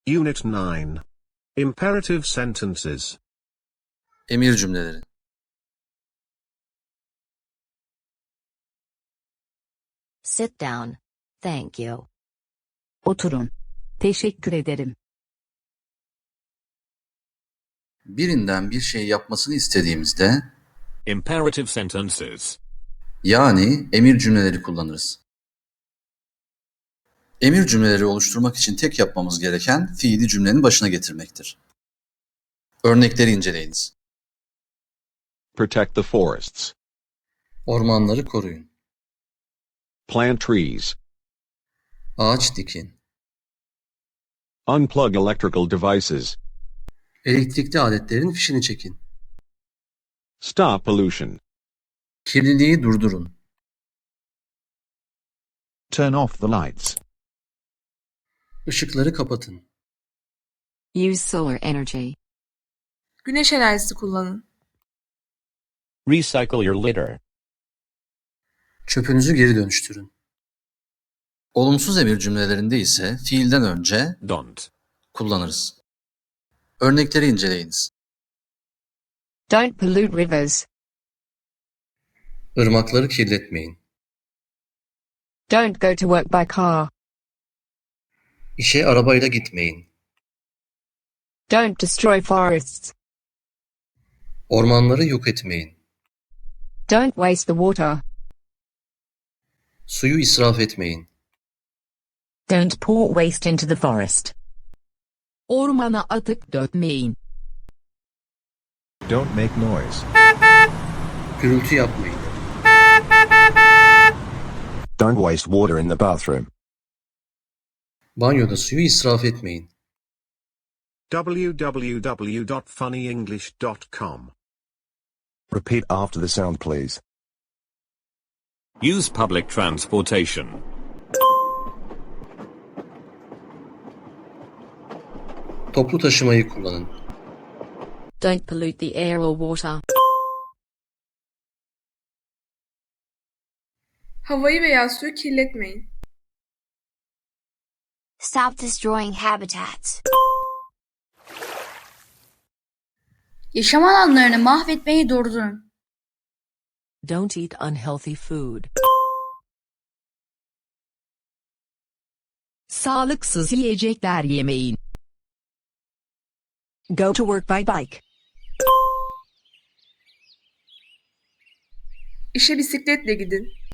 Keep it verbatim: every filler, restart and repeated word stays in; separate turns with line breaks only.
Unit nine. Imperative sentences.
Emir cümleleri.
Sit down. Thank you.
Oturun. Teşekkür ederim.
Birinden bir şey yapmasını istediğimizde,
Imperative sentences.
yani emir cümleleri kullanırız. Emir cümleleri oluşturmak için tek yapmamız gereken fiili cümlenin başına getirmektir. Örnekleri inceleyiniz.
Protect the forests.
Ormanları koruyun.
Plant trees.
Ağaç dikin.
Unplug electrical devices.
Elektrikli aletlerin fişini çekin.
Stop pollution.
Kirliliği durdurun.
Turn off the lights.
Işıkları kapatın.
Use solar energy.
Güneş enerjisi kullanın.
Recycle your litter.
Çöpünüzü geri dönüştürün. Olumsuz emir cümlelerinde ise fiilden önce
Don't.
kullanırız. Örnekleri inceleyiniz.
Don't pollute rivers.
Irmakları kirletmeyin.
Don't go to work by car.
İşe arabayla gitmeyin.
Don't destroy forests.
Ormanları yok etmeyin.
Don't waste the water.
Suyu israf etmeyin.
Don't pour waste into the forest. Ormana atık dökmeyin.
Don't make noise.
Gürültü yapmayın.
Don't waste water in the bathroom.
Banyoda suyu israf etmeyin.
w w w dot funny english dot com.
Repeat after the sound, please.
Use public transportation.
Toplu taşımayı kullanın.
Don't pollute the air or water.
Havayı veya suyu kirletmeyin.
Stop destroying habitats. Yaşam alanlarını mahvetmeyi durdurun.
Don't eat unhealthy food. Sağlıksız yiyecekler yemeyin. Go to work by bike.
İşe bisikletle gidin.